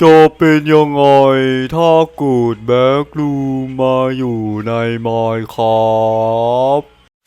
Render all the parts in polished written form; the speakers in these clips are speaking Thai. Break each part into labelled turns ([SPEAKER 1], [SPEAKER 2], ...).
[SPEAKER 1] จะเป็นยังไงถ้าเกิดแบ็กรูมมาอยู่ในมายครับ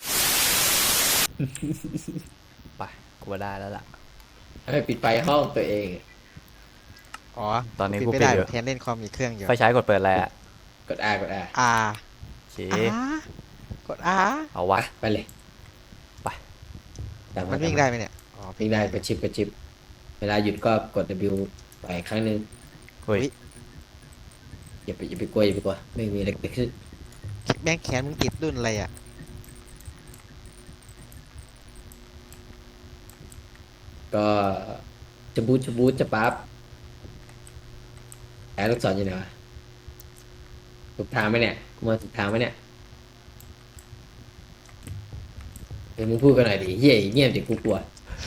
[SPEAKER 1] ไปกูว่าได้แล้วล่ะ
[SPEAKER 2] ปิดไฟห้องตัวเอง
[SPEAKER 3] อ๋อ
[SPEAKER 1] ตอนนี้กู
[SPEAKER 3] ปิดไม่
[SPEAKER 1] ปิด
[SPEAKER 3] ได้
[SPEAKER 1] อยู่
[SPEAKER 3] แทนเล่นคอมอีกเครื่องอยู่
[SPEAKER 1] ไฟฉายกดเปิดอะไรอ่ะ
[SPEAKER 2] กด R กด R
[SPEAKER 3] อ่า
[SPEAKER 1] โอเค
[SPEAKER 3] กดอ่า
[SPEAKER 1] เอาวะ
[SPEAKER 2] ไปเลย
[SPEAKER 1] ไป
[SPEAKER 2] ตา
[SPEAKER 3] มันวิ่งได้ไหมเนี่ยอ๋อ
[SPEAKER 2] วิ่งได้กระชิบเวลาหยุดก็กด W ไปครั้งหนึ่ง
[SPEAKER 1] เฮ้ย
[SPEAKER 2] อย่าไปกลัวไม่มีอะไรเกิดขึ้น
[SPEAKER 3] แบงค์แขนมึงติดรุ่นอะไรอ่ะ
[SPEAKER 2] ก็จะบูทจะปั๊บแอบลูกศรอยู่ไหนวะถูกทางไหมเนี่ยกูมาถูกทางไหมเนี่ยเฮ้ยมึงพูดกันหน่อยดิเฮียเงียบดิกูกลัว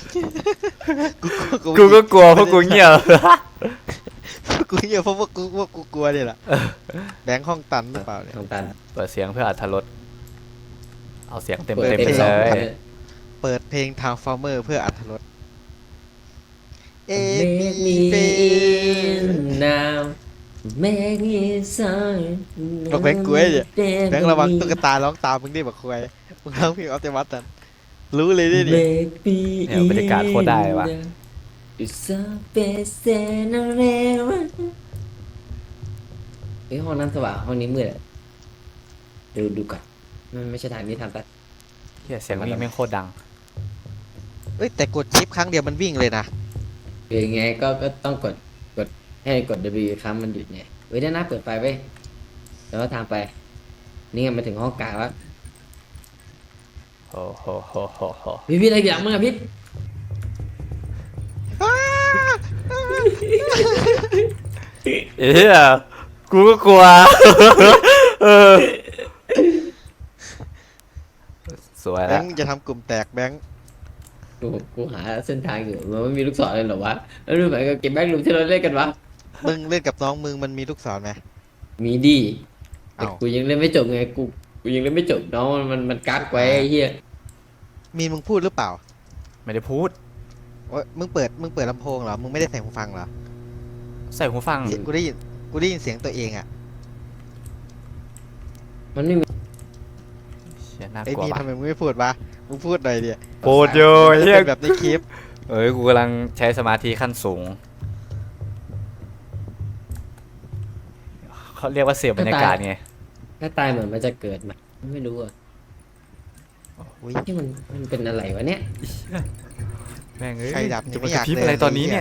[SPEAKER 1] กูก็กลัวเพราะกูเงียบ
[SPEAKER 3] กูเหี้ยเพราะว่ากูกลัวเนี่ยแหละแบงค์ห้องตันหรือเปล่าเนี่ย
[SPEAKER 2] ทางตัน
[SPEAKER 1] เปิดเสียงเพื่ออรรถรสเอาเสียงเต็ม
[SPEAKER 2] เปิด
[SPEAKER 1] เต็ม
[SPEAKER 2] เต็
[SPEAKER 1] ไป
[SPEAKER 2] ม
[SPEAKER 1] เล
[SPEAKER 2] สอง
[SPEAKER 1] ย
[SPEAKER 2] พัน
[SPEAKER 3] เปิดเพลง Transformer เพื่ออรรถรส
[SPEAKER 2] Make me in now Make me sorry
[SPEAKER 3] บอกแบงค์กลัวเนี่ยแบงค์ระวังตุ๊กตาร้องตามมึงดิบักควายมึงร้องเพลงออปติมัสตันรู้เลยดิ
[SPEAKER 2] Make me
[SPEAKER 1] เนี่ยบรรยากาศโคตรได้ว่ะ
[SPEAKER 2] It's a best and a rare เฮ้ยห้องนั้นสว่างห้องนี้มืดอะดูก่อนมันไม่ใช่ทางนี้ทางตัด
[SPEAKER 1] เฮียเสียงวิ่งแม่งโคตรดัง
[SPEAKER 3] เอ้ยแต่กดชิปครั้งเดียวมันวิ่งเลยนะ
[SPEAKER 2] หรือไงก็ต้องกดให้กด W ครั้งมันหยุดไงเว้ยด้านหน้าเปิดไฟไว้แล้วก็ทางไปนี่ไงมาถึงห้องกลางแล้ว
[SPEAKER 1] โอ้โหโหโหโห
[SPEAKER 2] พี่อะไรอย่างมึงอะพี่
[SPEAKER 1] เฮียกูก็กลัว เออสวย
[SPEAKER 3] แบ
[SPEAKER 1] แล้ว
[SPEAKER 3] งค์จะทำกลุ่มแตกแบงค์
[SPEAKER 2] กูหาเส้นทางอยู่มันไม่มีลูกศรเลยเหรอวะแล้วดูเหมือนกับเก็บแบ็กลูมที่เราเล่นกันวะ
[SPEAKER 3] มึงเล่นกับน้องมึงมันมีลูกศรไหม
[SPEAKER 2] มีดีแต่
[SPEAKER 3] เอ้า
[SPEAKER 2] กูยังเล่นไม่จบไงกูยังเล่นไม่จบน้องมันกักไว้ไอ้เหี้ย
[SPEAKER 3] มีมึงพูดหรือเปล่า
[SPEAKER 1] ไม่ได้พูด
[SPEAKER 3] ว่ามึงเปิดลำโพงเหรอ มึงไม่ได้ใส่หูฟังเหรอ
[SPEAKER 1] ใส่หูฟัง
[SPEAKER 3] กูได้ยินเสียงตัวเองอ่ะ
[SPEAKER 2] มันไม่มี
[SPEAKER 1] เชี่ยน่า
[SPEAKER 3] ไอ้
[SPEAKER 1] กลัว
[SPEAKER 3] นี่
[SPEAKER 1] ปะ
[SPEAKER 3] ทำไมมึงไม่พูดวะ มึงพูดหน่อยดิ
[SPEAKER 1] พูดอยู่
[SPEAKER 3] มันจะ
[SPEAKER 1] เฮีย
[SPEAKER 3] เป็นแบบในคลิป
[SPEAKER 1] เอ้ยกูกำลังใช้สมาธิขั้นสูงเขาเรียกว่าเสียบบรรยากาศไง
[SPEAKER 2] ถ้าตายเหมือนมันจะเกิดมาไม่รู้อ่ะ
[SPEAKER 3] อุ๊ย
[SPEAKER 2] ที่มันเป็นอะไรวะเนี่ย
[SPEAKER 1] แม่งเอ้ย
[SPEAKER 3] ใครดับนี่
[SPEAKER 1] จะ
[SPEAKER 3] ไม่
[SPEAKER 1] มา
[SPEAKER 3] อก ยาก
[SPEAKER 1] ระพริบ
[SPEAKER 3] เดิน
[SPEAKER 1] อะไรตอนนี้
[SPEAKER 3] เลย
[SPEAKER 1] เนี่ย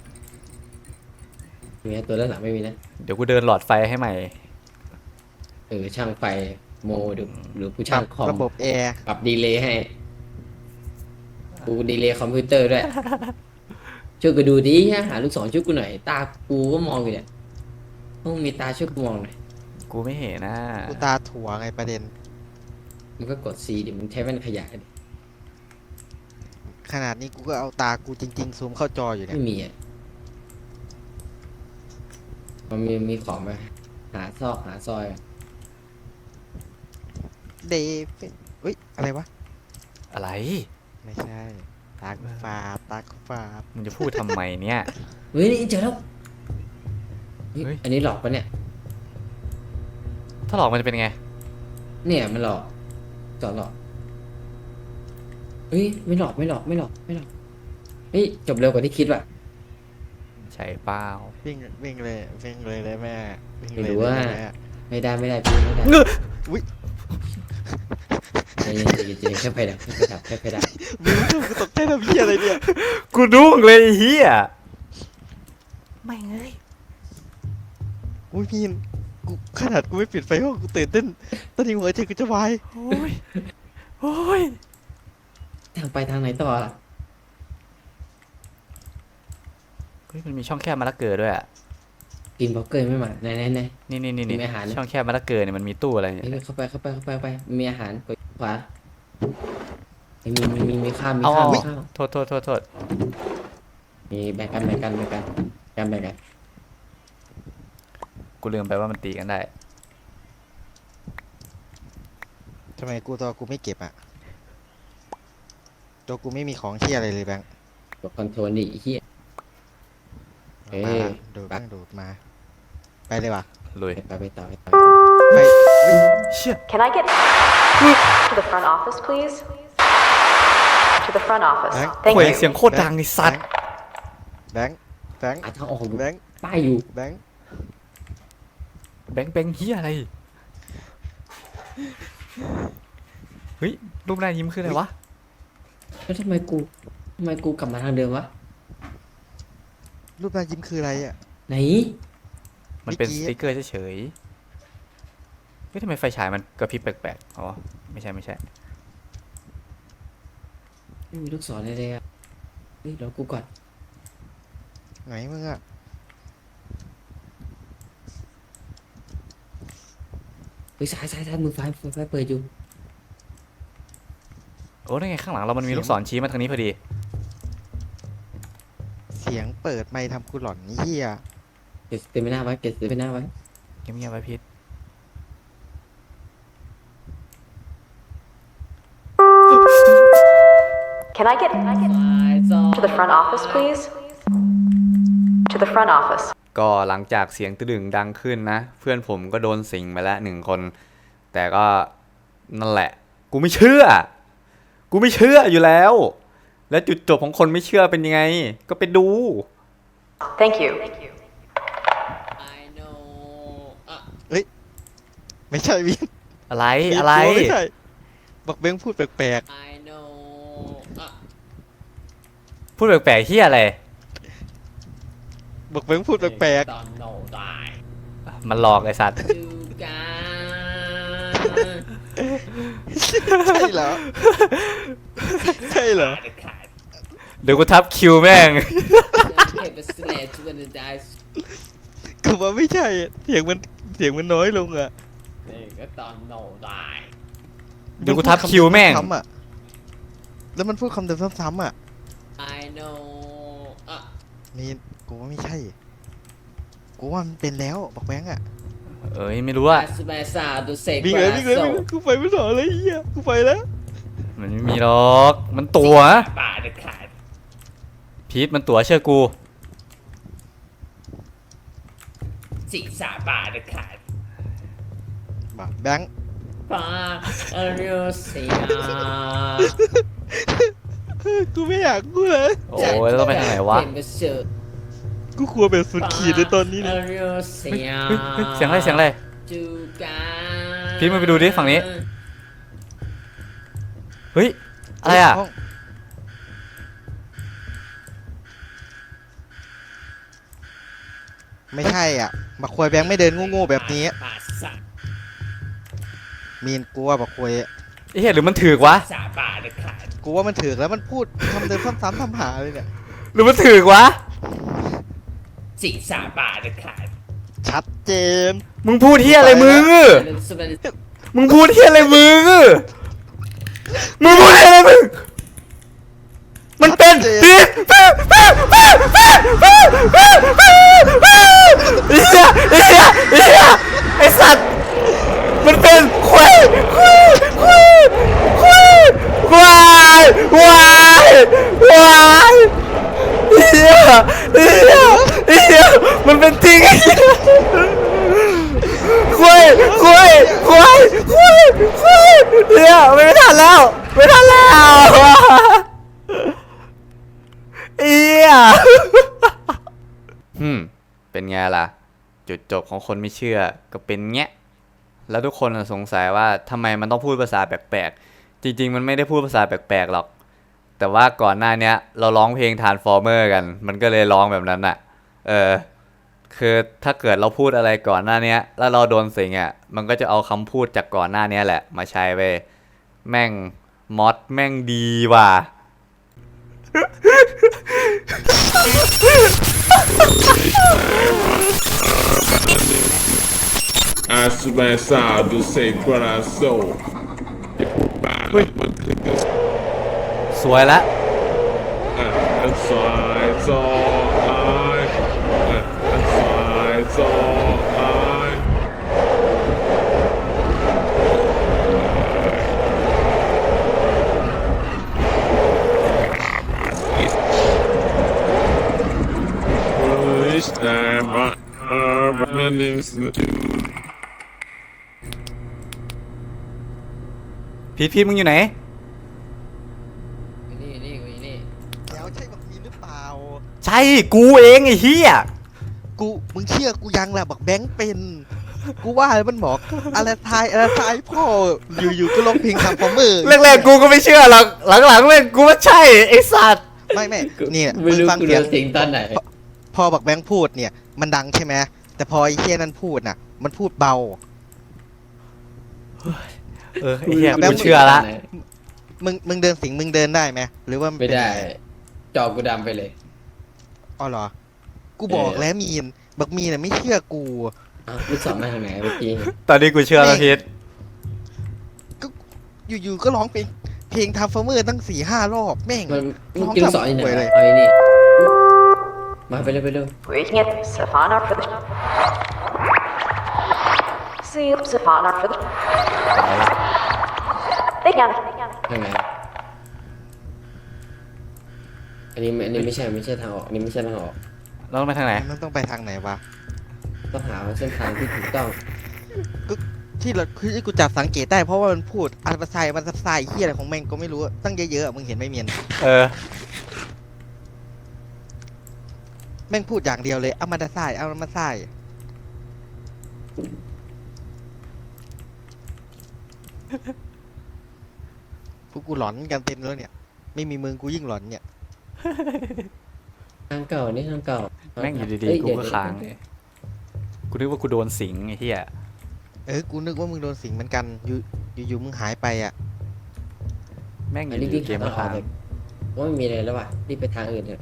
[SPEAKER 2] มีตัวด้านหลังไม่มีนะ
[SPEAKER 1] เดี๋ยวกูเดินหลอดไฟให้ใหม่
[SPEAKER 2] ช่างไฟโมหรือผู้ช่างคอม
[SPEAKER 3] ระบบแอร์
[SPEAKER 2] ปรับดีเลย์ให้กูดีเลย์คอมพิวเตอร์ด้วยช่วยกูดูดิหาลูกศรช่วยกูหน่อยตากูก็มองอยู่เนี่ยต้องมีตาช่วยกูมองหน่อย
[SPEAKER 1] กูไม่เห็นนะ
[SPEAKER 3] กูตาถั่วไงประเด็น
[SPEAKER 2] มึงก็กด C ดิมึงใช้แว่นขยายดิ
[SPEAKER 3] ขนาดนี้กูก็เอาตากูจริงๆซูมเข้าจออยู่เนี่ย
[SPEAKER 2] ไม่มีอ่ะมันมีของไหมหาซอกหาซอย
[SPEAKER 3] เดฟเฮ้ย อะไรวะ
[SPEAKER 1] อะไร
[SPEAKER 3] ไม่ใช่ ตากูฟาบ
[SPEAKER 1] มึงจะพูดทำไมเนี่ย
[SPEAKER 2] เฮ้ยนี่เจอแล้วเฮ้ย
[SPEAKER 1] เฮ้ย
[SPEAKER 2] อันนี้หลอกปะเนี่ย
[SPEAKER 1] ถ้าหลอกมันจะเป็นไง
[SPEAKER 2] เนี่ยมันหลอกสอนหลอกเฮ้ยไม่หลอกเฮ้ยจบเร็วกว่าที่คิดว่ะ
[SPEAKER 1] ใช่เปล่า
[SPEAKER 3] วิ่งเลยแม่วิ่ง
[SPEAKER 2] ไม่
[SPEAKER 3] เลย
[SPEAKER 2] รู้ว่า
[SPEAKER 3] แม่
[SPEAKER 2] ไม่ได้พี่ไม่ได้
[SPEAKER 3] อุ๊ย
[SPEAKER 2] ใจเย็นแค่ไฟดับแค่ไฟดับ
[SPEAKER 3] มึงกูตกใจทำเหี้ยอะไรเนี่ย
[SPEAKER 1] กูดุ้งเลยไอ้เฮียไม่เอ้ย
[SPEAKER 3] อุ้ยพี่กูขนาดกูไม่ปิดไฟห้องกูตื่นเต้นตอนนี้หัวใจกูจะวาย
[SPEAKER 1] โอ้ยโอ้ย
[SPEAKER 2] ทางไปทางไหนต่อล่ะ
[SPEAKER 1] เฮ้ยมันมีช่องแคบมะละเกอด้วยอ่ะ
[SPEAKER 2] กินบล็อกเกอร์ไม่มาไหน
[SPEAKER 1] นี่
[SPEAKER 2] มีอาหาร
[SPEAKER 1] ช่องแคบมะละเกอเนี่ยมันมีตู้อะไรเนี่ย
[SPEAKER 2] เข้าไปมีอาหารกดขวามีข้าว
[SPEAKER 1] เอา
[SPEAKER 2] มีข้าว
[SPEAKER 1] โทษ
[SPEAKER 2] มีแบ่งกัน
[SPEAKER 1] กูลืมไปว่ามันตีกันได้
[SPEAKER 3] ทำไมตัวกูไม่เก็บอ่ะตัวกูไม่มีของเหี้ยอะไรเลยแบงค์
[SPEAKER 2] กดคอนโทรลดิไอ้เหี้ย เอ้ย
[SPEAKER 3] ดูตั้งโดดมา ไปเลยว่ะ
[SPEAKER 1] ลุย
[SPEAKER 2] ไปต่อ
[SPEAKER 3] ไป
[SPEAKER 1] เชี่ย
[SPEAKER 4] Can I get to the front office, please? To the front office.
[SPEAKER 1] โอ้
[SPEAKER 4] Thank
[SPEAKER 1] ย
[SPEAKER 4] you.
[SPEAKER 1] เสียงโคตรดังไอ้สัตว์
[SPEAKER 3] แบงค์แบงค์
[SPEAKER 2] หาทางออกอยู่
[SPEAKER 3] แบงค์
[SPEAKER 2] ป้ายอยู่
[SPEAKER 3] แบงค์
[SPEAKER 1] แบงค์เฮียอะไรเฮ้ยรูปหน้ายิ้มคืออะไรวะ
[SPEAKER 2] แล้วทำไมกูกลับมาทางเดิมวะ
[SPEAKER 3] รูปหน้ายิ้มคืออะไรอ่ะ
[SPEAKER 2] ไหน
[SPEAKER 1] มันเป็น
[SPEAKER 3] เมื่
[SPEAKER 1] ส
[SPEAKER 3] อกี้
[SPEAKER 1] ติ๊กเกอร์เฉยๆเฮ้ยทำไมไฟฉายมันกระพริบแปลกๆอ๋อไม่ใช่
[SPEAKER 2] ไม่มีลูกศรเลยอ่ะเฮ้ยรอกูก่อน
[SPEAKER 3] ไหนมึงอ่ะ
[SPEAKER 2] เฮ้ยซ้ายมือซ้ายเปิดอยู่
[SPEAKER 1] โอ้ได้ไงข้างหลังเรามันมีลูกศรชี้มาทางนี้พอดี
[SPEAKER 3] เสียงเปิดไมค์ทำกูหลอนเฮีย
[SPEAKER 2] เก็บเต็มไปหน้าไว้เก็บเต็มไปหน้าไว้
[SPEAKER 1] เงียบๆไว้พีท
[SPEAKER 4] Can I get to the front office, please? To the front office.
[SPEAKER 1] ก็หลังจากเสียงตึดึงดังขึ้นนะ เพื่อนผมก็โดนสิงไปแล้ว1 คน แต่ก็นั่นแหละ กูไม่เชื่ออยู่แล้ว และจุดจบของคนไม่เชื่อเป็นยังไง ก็ไปดู
[SPEAKER 4] Thank you.
[SPEAKER 2] I know
[SPEAKER 3] ไม่ใช่วิน
[SPEAKER 1] อะไร
[SPEAKER 3] ไม่ใช่บอกแบงค์พูดแปลก
[SPEAKER 2] I know
[SPEAKER 1] พูดแปลกๆเฮียอะไร
[SPEAKER 3] ๆบอกแบงค์พูดแปลก
[SPEAKER 2] ตอนโนได้
[SPEAKER 1] มันหลอกไอ้สัตว์
[SPEAKER 2] ดูกัน
[SPEAKER 3] ๆใช่เหรอ ใช่เหรอ
[SPEAKER 1] เดี๋ยวกูทับคิวแม่ง
[SPEAKER 2] เก็บไปสแลชวันได้
[SPEAKER 3] กูว่าไม่ใช่อะเสียงมันน้อยลงอ่ะ
[SPEAKER 2] นี่ก็ตอนโนได้
[SPEAKER 1] เดี๋ยวกูทับคิวแม่ง
[SPEAKER 3] ซ้ำๆอะแล้วมันพูดคำเดิมซ้ำๆอ่ะ
[SPEAKER 2] I know
[SPEAKER 3] นี่กูว่าไม่ใช่ กูว่ามันเป็นแล้วบอกแบงค์อ่ะ
[SPEAKER 1] เอ้ยไม่รู้อะ
[SPEAKER 2] สเปซาดูเซก
[SPEAKER 3] วิ่งเลยกูไปไม่ต่อเลยเฮียกูไปแล้ว
[SPEAKER 1] มันไม่มีหรอก มันตั๋ว
[SPEAKER 2] ป่าเด็ดขาด
[SPEAKER 1] พีทมันตั๋วเชื่อกู
[SPEAKER 2] สิสาป่าเด็ดขาด
[SPEAKER 3] บอกแบงค์
[SPEAKER 2] ป่าเอริโอเซีย
[SPEAKER 3] กูไม่อยากกูเลย
[SPEAKER 1] โอ้ยแล้วต้องไปทางไหนวะ
[SPEAKER 3] กูกลัวแบบสุดขีดในตอนนี้
[SPEAKER 2] เอ
[SPEAKER 3] เนี่ย
[SPEAKER 2] ริโอเซีย
[SPEAKER 1] เฮ้ยเสียงอะไร
[SPEAKER 2] จูกัน
[SPEAKER 1] พีทมึงไปดูดิฝั่งนี้ เฮ้ย อะไรอะ
[SPEAKER 3] ห้งไม่ใช่อ่ะบักควยแบงค์ไม่เดินโง่ๆแบบนี้
[SPEAKER 2] ป่าสา
[SPEAKER 3] มีนกูว่าบักควย
[SPEAKER 1] ไอ้เหี้ยหรือมันถือกวะ
[SPEAKER 2] สาป่าเด็ดขาด
[SPEAKER 3] กูว่ามันถือแล้วมันพูดคำเดิมซ้ำๆทำหาเลยเนี่ย
[SPEAKER 1] หรือมันถือกวะ
[SPEAKER 2] สิสาป่าเด็ดขาด
[SPEAKER 3] ชัดเจน
[SPEAKER 1] มึงพูดเหี้ยอะไรมึง มึงพูดเหี้ยอะไรมึง มึงพูดเหี้ยอะไรมึง มันเป็นพีทไอ้สัตว์ มันเป็นควายเฮียมันเป็นจริงไอ้เหี้ยควายเฮียไม่ทันแล้วเฮียเป็นไงล่ะ จุดจบของคนไม่เชื่อก็เป็นเงี้ย แล้วทุกคนสงสัยว่าทำไมมันต้องพูดภาษาแปลกๆ จริงๆ มันไม่ได้พูดภาษาแปลกๆหรอก แต่ว่าก่อนหน้านี้เราร้องเพลง Transformer กัน มันก็เลยร้องแบบนั้นน่ะ คือถ้าเกิดเราพูดอะไรก่อนหน้านี้แล้วเราโดนสิงอ่ะ มันก็จะเอาคำพูดจากก่อนหน้านี้แหละมาใช้ไปแม่งมอดแม่งดีว่ะ
[SPEAKER 5] Asmessado sem coração.
[SPEAKER 1] สวยละ
[SPEAKER 5] Time My name's
[SPEAKER 1] พีทมึงอยู่ไหน
[SPEAKER 2] นี่นี่กูนี่
[SPEAKER 3] แล้วใช่บักมีนหรือเปล่า
[SPEAKER 1] ใช่กูเองไอ้เหี้ย
[SPEAKER 3] มึงเชื่อกูยังแหละบักแบงค์เป็น กูว่ามันบอกอะไรทายพ่ออยู่ๆก็ร้องเพลงทำฟอร์เมอร์
[SPEAKER 1] แรกๆกูก็ไม่เชื่อหรอกหลังๆแม่งกูว่าใช่ไอ้สัตว์
[SPEAKER 3] ไม่เนี่ย
[SPEAKER 2] ไม่
[SPEAKER 3] มึง
[SPEAKER 2] รู้
[SPEAKER 3] ฟัง
[SPEAKER 2] กู
[SPEAKER 3] เสี
[SPEAKER 2] โด
[SPEAKER 3] ยง
[SPEAKER 2] นสิงตอนไหน
[SPEAKER 3] พอบักแบงค์พูดเนี่ย มันดังใช่ไหมแต่พอไอ้เฮียนั่นพูดน่ะ มันพูดเบา
[SPEAKER 1] ไอ้เหี้ยกูเชื่อละ
[SPEAKER 3] มึงเดินสิงมึงเดินได้ไหมหรือว่ามัน
[SPEAKER 2] ไม่
[SPEAKER 3] เป็น
[SPEAKER 2] ได้
[SPEAKER 3] งง
[SPEAKER 2] จอกูดำไปเลย
[SPEAKER 3] อ๋อเหรอ กูบอกแล้วมีนบักมีนน่ะไม่เชื่อกู
[SPEAKER 2] อ้าวลูกศรมาทางไหนเมื่อกี้
[SPEAKER 1] ตอนนี้กูเชื่อแล้วพีท
[SPEAKER 3] อยู่ๆก็ร้องเพลงทำฟอร์เมอร์ตั้ง4-5 รอบแม่ง
[SPEAKER 2] มันลูกกินลูกศรอยู่ไหน
[SPEAKER 3] เลย
[SPEAKER 2] เอาไอ้นี่มาไปเร็วไปเร็ว
[SPEAKER 4] We can get Savannah for the. See Savannah for the. They can.
[SPEAKER 2] ทางไหนอันนี้ไม่ใช่ทางออกอันนี้ไม่ใช่ทางออก
[SPEAKER 1] เราต้องไปทางไหน
[SPEAKER 3] มันต้องไปทางไหนวะ
[SPEAKER 2] ต้องหาเส้นทางที่ถูกต้อง
[SPEAKER 3] ที่กูจับสังเกตได้เพราะว่ามันพูดอัลฟาไซมันซับไซเฮียอะไรของแม่งก็ไม่รู้ตั้งเยอะๆอะมึงเห็นไหมเมียน
[SPEAKER 1] เออ
[SPEAKER 3] แม่งพูดอย่างเดียวเลยเอามาดาไซเอามาไซพวกกูหลอนกันเต็มแล้วเนี่ย ไม่มีมึงกูยิ่งหลอนเนี่ย
[SPEAKER 2] ทางเก่านี่ทางเก่า
[SPEAKER 1] แม่งอยู่ดี
[SPEAKER 2] เอ้
[SPEAKER 1] ๆกูก็
[SPEAKER 2] เดี๋ยว
[SPEAKER 1] ค้างกูนึกว่ากูโดนสิงไอ้เหี้ย
[SPEAKER 3] กูนึกว่ามึงโดนสิงเหมือนกันอยู่มึงหายไปอ่ะ
[SPEAKER 1] แม่งอ
[SPEAKER 2] อัน
[SPEAKER 1] ยู่
[SPEAKER 2] นี้
[SPEAKER 1] ดี
[SPEAKER 2] วิ่ง
[SPEAKER 1] ๆเกม
[SPEAKER 2] ทาง
[SPEAKER 1] มา
[SPEAKER 2] ออก
[SPEAKER 1] ค้าง
[SPEAKER 2] เลยว่าไม่มีอะไรแล้วว่ะรีบไปทางอื่นเถอะ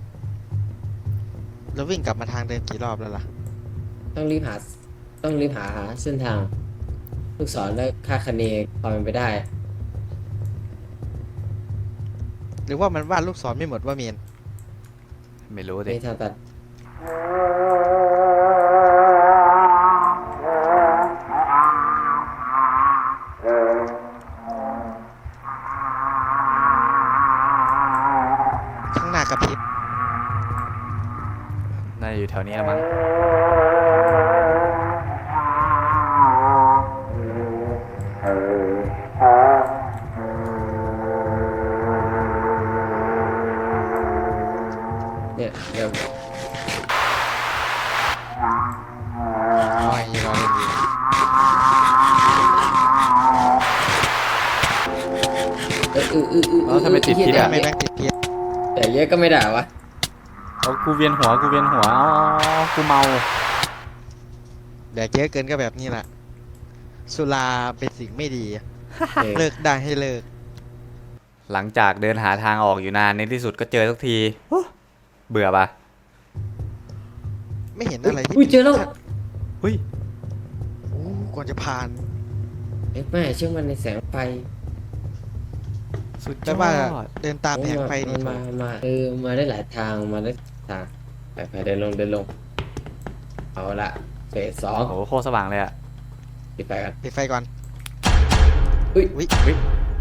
[SPEAKER 3] แล้ววิ่งกลับมาทางเดิมกี่รอบแล้วล่ะ
[SPEAKER 2] ต้องรีบหาเส้นทาง ลูกศรและค่าคะเนความเป็นไปได้
[SPEAKER 3] หรือว่ามันวาดลูกศรไม่หมดว่าเมียน
[SPEAKER 1] ไม่รู้ดิ
[SPEAKER 2] ไม่ทางตัด
[SPEAKER 3] ข้างหน้ากระพริบ
[SPEAKER 1] น่าจะอยู่แถวนี้ละมั้ง
[SPEAKER 2] เนี่ยเดี๋ยว
[SPEAKER 3] อ๋อยังรอเล่นอยู่
[SPEAKER 1] แล้วทำไมติดพิษ
[SPEAKER 3] ทำ
[SPEAKER 1] อ่ะ
[SPEAKER 3] ไมแม่งติดพิษ
[SPEAKER 2] แต่เยอะก็ไม่ด่าวะ
[SPEAKER 1] เอากูเวียนหัวอ๋อกูเมา
[SPEAKER 3] แดกเยอะเกินก็แบบนี้แหละ สุราเป็นสิ่งไม่ดี
[SPEAKER 2] เออ
[SPEAKER 3] เลิกได้ให้เลิก
[SPEAKER 1] หลังจากเดินหาทางออกอยู่นานในที่สุดก็เจอสักที เบื่อปะ
[SPEAKER 3] ไม่เห็นอะไรที่
[SPEAKER 2] อุ้ยเจอแล้ว
[SPEAKER 1] เฮ้ย
[SPEAKER 3] โอ้ก่อนจะผ่าน
[SPEAKER 2] เอ๊ะไม่เชื่อมันในแสงไฟ
[SPEAKER 1] สุดย
[SPEAKER 3] แต่
[SPEAKER 1] อ
[SPEAKER 3] ว่า
[SPEAKER 1] ด
[SPEAKER 3] เดินตามแผงไฟ
[SPEAKER 2] มั
[SPEAKER 3] นี่
[SPEAKER 2] น
[SPEAKER 3] ถูก
[SPEAKER 2] มามาได้หลายทางมาได้ทางไปเดินลงเอาละเฟสสอง
[SPEAKER 1] โอ้โหโคตรสว่างเลยอ่ะ
[SPEAKER 2] ปิดไฟกัน
[SPEAKER 3] ปิดไฟก่อน
[SPEAKER 2] อุ้ย
[SPEAKER 3] อุ๊ย
[SPEAKER 1] อุ๊ย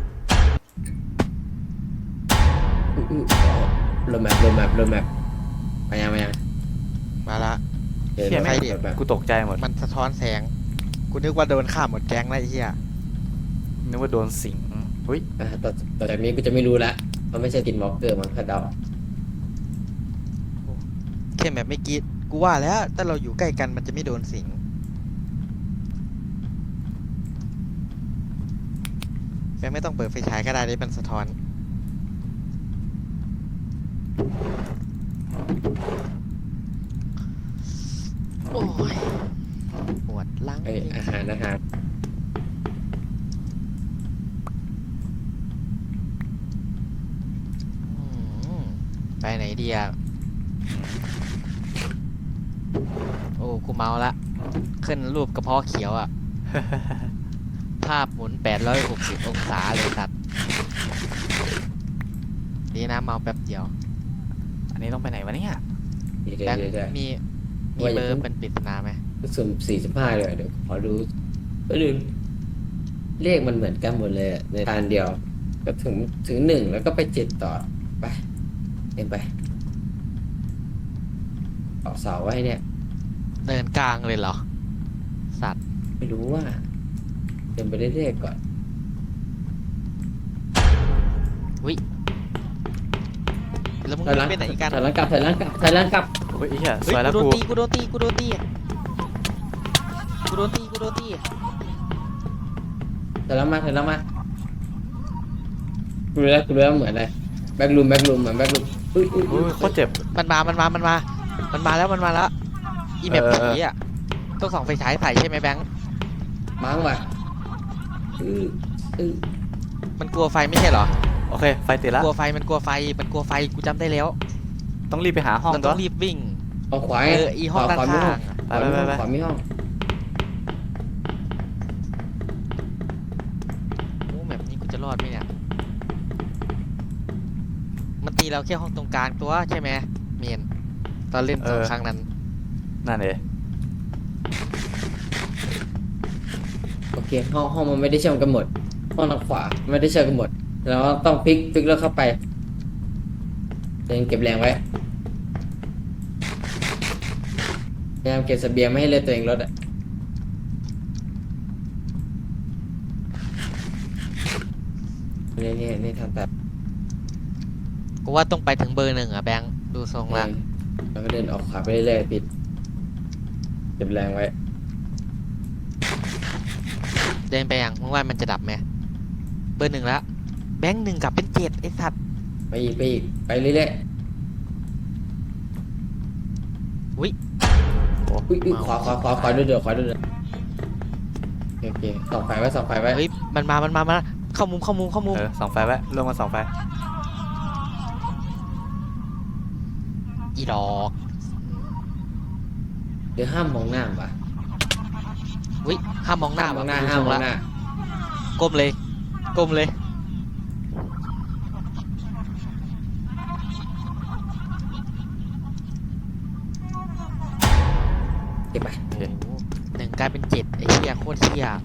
[SPEAKER 2] โรแมปมายัง
[SPEAKER 3] มาละ
[SPEAKER 2] เดิน
[SPEAKER 1] เชี่ย
[SPEAKER 2] ไป
[SPEAKER 1] แม่ง
[SPEAKER 2] เดินไป
[SPEAKER 1] กูตกใจหมด
[SPEAKER 3] มันสะท้อนแสง กูนึกว่าโดนฆ่าหมดแก๊งแล้วไอ้เหี้ย
[SPEAKER 1] นึกว่าโดนสิงเฮ้ย
[SPEAKER 2] ต่อจากนี้กูจะไม่รู้ละเพราะไม่ใช่ตินวอล์กเกอร์มันคาดเดา
[SPEAKER 3] แค่แบบไม่กรีดกูว่าแล้วถ้าเราอยู่ใกล้กันมันจะไม่โดนสิงแม่งไม่ต้องเปิดไฟฉายก็ได้ได้มันสะท้อน โอ้ยปวดหลัง
[SPEAKER 2] เอ้ยอาหาร
[SPEAKER 3] อืมไปไหนดีอ่ะ โอ้ กูเมาละ ขึ้นรูปกระเพาะเขียวอ่ะ ภาพหมุน860 องศาเลยสัตว์ดีนะเมาแป๊บเดียว
[SPEAKER 1] อันนี้ต้องไปไหนวะเนี่ย
[SPEAKER 2] เดี๋ยว
[SPEAKER 3] แบงค์
[SPEAKER 2] เดี๋ยว
[SPEAKER 3] มี
[SPEAKER 2] ว่าอย่า
[SPEAKER 3] เบอ
[SPEAKER 2] เพิ่
[SPEAKER 3] ร์
[SPEAKER 2] ง
[SPEAKER 3] เป็นปริศนาไหม
[SPEAKER 2] สุ่ม45เลยเดี๋ยวขอดูเลขมันเหมือนกันหมดเลยอะในทางเดียวก็ถึง1แล้วก็ไป7ต่อไปเอ็นไปออกเสาไว้เนี่ย
[SPEAKER 3] เดินกลางเลยเหรอ สัตว์
[SPEAKER 2] ไม่รู้ว่าเดินไปเรื่อยๆก่อน
[SPEAKER 3] แล้วมึง
[SPEAKER 2] ถอยหลัง
[SPEAKER 3] ไปไหนกัน
[SPEAKER 2] ถอยหลังกลับถอยหลังกลับถอยหลังกลับ
[SPEAKER 1] เฮ้ยไอ้เหี้ย
[SPEAKER 3] เฮ้
[SPEAKER 1] ส
[SPEAKER 3] ย
[SPEAKER 1] วยแล้ว
[SPEAKER 3] กูโดน
[SPEAKER 1] กู
[SPEAKER 3] ตีกูโดนตีกูโดนตีกูโดนตีกูโดนตี
[SPEAKER 2] ถอยหลังมาถอยหลังมากูรู้แล้วเหมือนอะไรแบ็กลูมเหมือนแบ็กลูมอุ้ย
[SPEAKER 1] อุ้ยโคตรเจ็บ
[SPEAKER 3] มันมาแล้วอีแมป
[SPEAKER 1] เออ
[SPEAKER 3] ผีอ่ะต้องส่องไฟฉายใส่ใช่ไหมแบงค์
[SPEAKER 2] มั้งว่ะอื้อ
[SPEAKER 3] มันกลัวไฟไม่ใช่เหรอ
[SPEAKER 1] โอเคไฟติดละ
[SPEAKER 3] กลัวไฟมันกลัวไฟกูจำได้แล้ว
[SPEAKER 1] ต้องรีบไปหาห้อง
[SPEAKER 3] มัน
[SPEAKER 1] ตั
[SPEAKER 3] ต้
[SPEAKER 1] ว
[SPEAKER 3] องรีบวิ่ง
[SPEAKER 2] เอาขวาไง
[SPEAKER 3] อีห้องด้าน
[SPEAKER 2] ขวามี
[SPEAKER 3] ข้า
[SPEAKER 2] ห้อง
[SPEAKER 3] งอะ
[SPEAKER 1] ไป
[SPEAKER 2] ขวามีห้อง
[SPEAKER 3] โอ้แบบนี้กูจะรอดไหมเนี่ยมันตีเราแค่ห้องตรงกลางตัวใช่ไหมเมียนตอนเล่นสองครั้งนั้น
[SPEAKER 1] นั่นเลย
[SPEAKER 2] โอเคห้องมันไม่ได้เชื่อมกันหมดห้องทางขวาไม่ได้เชื่อมกันหมดแล้วต้องพลิกแล้วเข้าไปเดินเก็บแรงไว้พยายามเก็บเสบียงไม่ให้เลือดตัวเองลดอ่ะนี่ทำแบบ
[SPEAKER 3] กูว่าต้องไปถึงเบอร์หนึ่งอ่ะแบงค์ดูทรงละ
[SPEAKER 2] แล้วก็เดินออกขวาไปเรื่อยๆปิดเก็บแรงไว้
[SPEAKER 3] เดินไปยังมึงว่ามันจะดับไหมเบอร์หนึ่งละแบงค์หนึ่งกลับเป็น7ไอ้สัตว์
[SPEAKER 2] ไปอีกไปเรื่อยๆ
[SPEAKER 1] โอ้
[SPEAKER 2] อุ้ยขวาด้วยเดี๋ยวโอเคส่องไฟไว้
[SPEAKER 3] เฮ้ยมันมาเข้ามุม
[SPEAKER 1] เออส่องไฟไว้ลงมาส่องไฟ
[SPEAKER 3] อีดอก
[SPEAKER 2] เดี๋ยวห้ามมองหน้าว่ะ
[SPEAKER 3] เฮ้ยห้ามมองหน้า
[SPEAKER 2] ห้ามมองหน้า
[SPEAKER 3] ว่ะ
[SPEAKER 2] ห้ามมองหน้า
[SPEAKER 3] ก้มเลย
[SPEAKER 2] เก็บไป
[SPEAKER 1] โอเค
[SPEAKER 3] โอ้โหหนึ่งกลายเป็น7ไอ้เหี้ยโคตรเหี้ย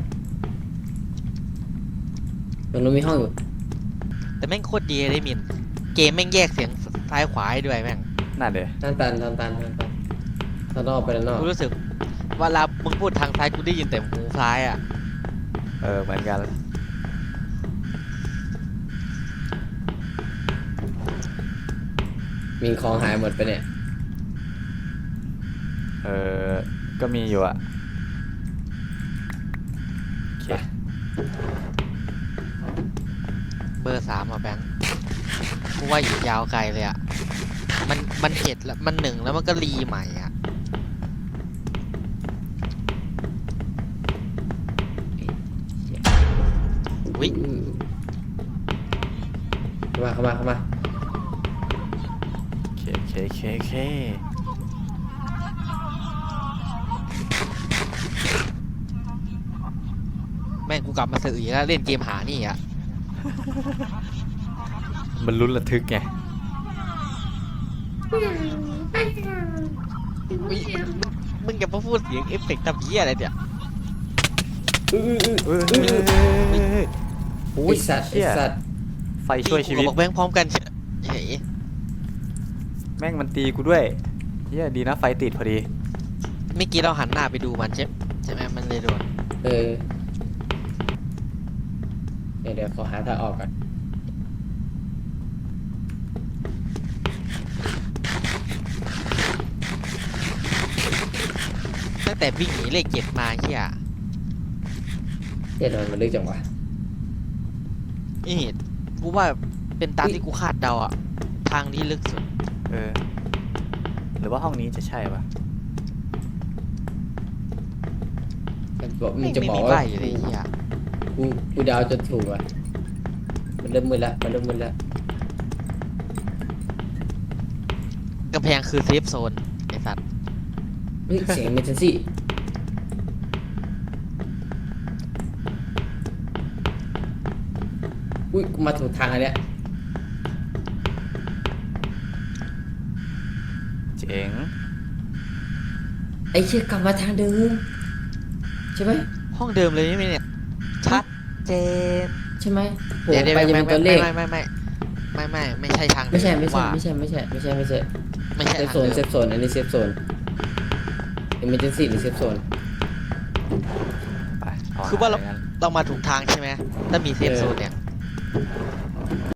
[SPEAKER 2] ตรงนู้นมีห้องอยู่
[SPEAKER 3] แต่แม่งโคตรดีเลยมินเกมแม่งแยกเสียงซ้ายขวาให้ด้วยแม่ง
[SPEAKER 1] นั่นเลย
[SPEAKER 2] ตันถ้านอกไปด้านนอก
[SPEAKER 3] กูรู้สึกเวลามึงพูดทางซ้ายกูได้ยินแต่หูซ้ายอ่ะ
[SPEAKER 1] เออเหมือนกัน
[SPEAKER 2] มีของหายหมดไปเนี่ย
[SPEAKER 1] เออก็มีอยู่อะโอเค
[SPEAKER 3] เบอร์3อ่ะแบงค์กูว่าอยู่ยาวไกลเลยอ่ะมันเห็ดแล้วมันหนึ่งแล้วมันก็รีใหม่อ่ะ อุ๊ย
[SPEAKER 2] เข้ามา
[SPEAKER 1] โอเค
[SPEAKER 3] แม่งกูกลับมาสื่ออีกแล้วเล่นเกมหานี่อ่ะ
[SPEAKER 1] มันลุ้นระทึกไง
[SPEAKER 3] อุ๊ยมึงอย่ามาพูดเสียงเอฟเฟกต์ทำเหี้ยอะไรเนี่ย
[SPEAKER 1] เฮ้ย
[SPEAKER 2] ไอสัตว์
[SPEAKER 1] ไฟช่วยชีวิต
[SPEAKER 3] กูกับแบงค์พร้อมกันเฉย
[SPEAKER 1] แม่งมันตีกูด้วยเฮียดีนะไฟติดพอดี
[SPEAKER 3] เมื่อกี้เราหันหน้าไปดูมันใช่ไหมมันเลยโดน
[SPEAKER 2] เดี๋ยวขอหาทางออกก่อน
[SPEAKER 3] ตั้งแต่วิ่งหนีเลข7มาเหี้ย
[SPEAKER 2] เดี๋ยวมันลึกจังวะ
[SPEAKER 3] นี่กูว่าเป็นตามที่กูคาดเดาอ่ะทางนี้ลึกสุด
[SPEAKER 1] เออ หรือว่าห้องนี้จะใช่ปะ
[SPEAKER 2] มึงจะบอก
[SPEAKER 3] ไม่มี
[SPEAKER 2] ว่า
[SPEAKER 3] ใบเลยเหี้ย
[SPEAKER 2] กูเดาวจนถูกอ่ะมันเริ่มมืดละ
[SPEAKER 3] กำแพงคือเซฟโซนไอ้สัตว์
[SPEAKER 2] เฮ้ยเสียงเมทันซี่อุ้ยกูมาถูกทางอันเนี้ย
[SPEAKER 1] เจ๋ง
[SPEAKER 2] ไอ้เชี่ยกลับมาทางเดิมใช่ไหม
[SPEAKER 3] ห้องเดิมเลยนี่เนี่ยชัดเจน
[SPEAKER 2] ใช่ไหมโห
[SPEAKER 3] เดี๋ยว
[SPEAKER 2] ไปจะเป็นตัวเลข
[SPEAKER 3] ไม่ใช่ทางเดิ
[SPEAKER 2] ไม่ใช่
[SPEAKER 3] ว่า
[SPEAKER 2] ไม่ใช่
[SPEAKER 3] ไม่ใช่
[SPEAKER 2] เซฟ
[SPEAKER 3] ทาง
[SPEAKER 2] โซน
[SPEAKER 3] เดิม
[SPEAKER 2] อันนี้เซฟโซน emergency หรือ safe zone
[SPEAKER 1] ไปเ
[SPEAKER 3] คือว่าเรา
[SPEAKER 1] หงั้น
[SPEAKER 3] เรามาถูกทางใช่ไหมถ้ามีเซฟโซนเนี่ย